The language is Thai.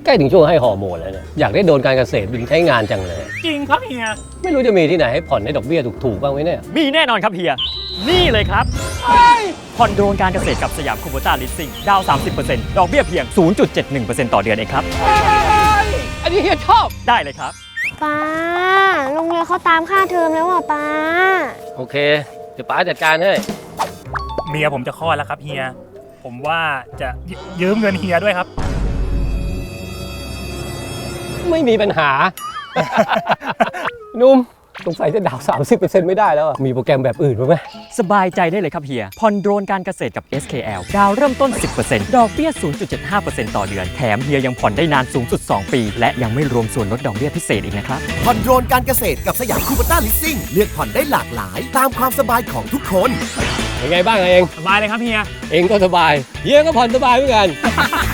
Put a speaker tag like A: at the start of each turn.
A: ใกล้ถึงช่วงให้ฮอร์โมนแล้วเนี่ยอยากได้โดนการเกษตรบินใช้งานจังเลย
B: จริงครับเฮีย
A: ไม่รู้จะมีที่ไหนให้ผ่อนให้ดอกเบี้ยถูกๆบ้างไหมเนี่ย
C: มีแน่นอนครับเฮีย นี่เลยครับผ่อนโดรนการเกษตรกับสยามคูโบต้าลิสซิ่งดาว 30% ดอกเบี้ยเพียง 0.71% ต่อเดือนเองครับ
A: อันนี้เฮียชอบ
C: ได้เลยครับ
D: ป้าโรงเรียนเขาตามค่าเทอมแล้วอ่ะป้า
A: โอเคเดี๋ยวป๋าจัดการให้
B: เมียผมจะคลอดแล้วครับเฮีย ผมว่าจะยืมเงินเฮียด้วยครับ
A: ไม่มีปัญหา นุ่มสงสัยจะดาว 30% ไม่ได้แล้วอะมีโปรแกรมแบบอื่นบ้างไหม
C: สบายใจได้เลยครับเฮีย ผ่อนโดรนการเกษตรกับ SKL ดาวเริ่มต้น 10% ดอกเบี้ย 0.75% ต่อเดือน แถมเฮียยังผ่อนได้นานสูงสุด 2 ปี และยังไม่รวมส่วนลดดอกเบี้ยพิเศษอีกนะครับ
E: ผ่อนโดรนการเกษตรกับสยามคูเปต้าลิสซิ่งเลือกผ่อนได้หลากหลายตามความสบายของทุกคน
A: เป็นไงบ้างเอง
B: สบายเลยครับเฮีย
A: เองก็สบายเฮียก็ผ่อนสบายเหมือนกัน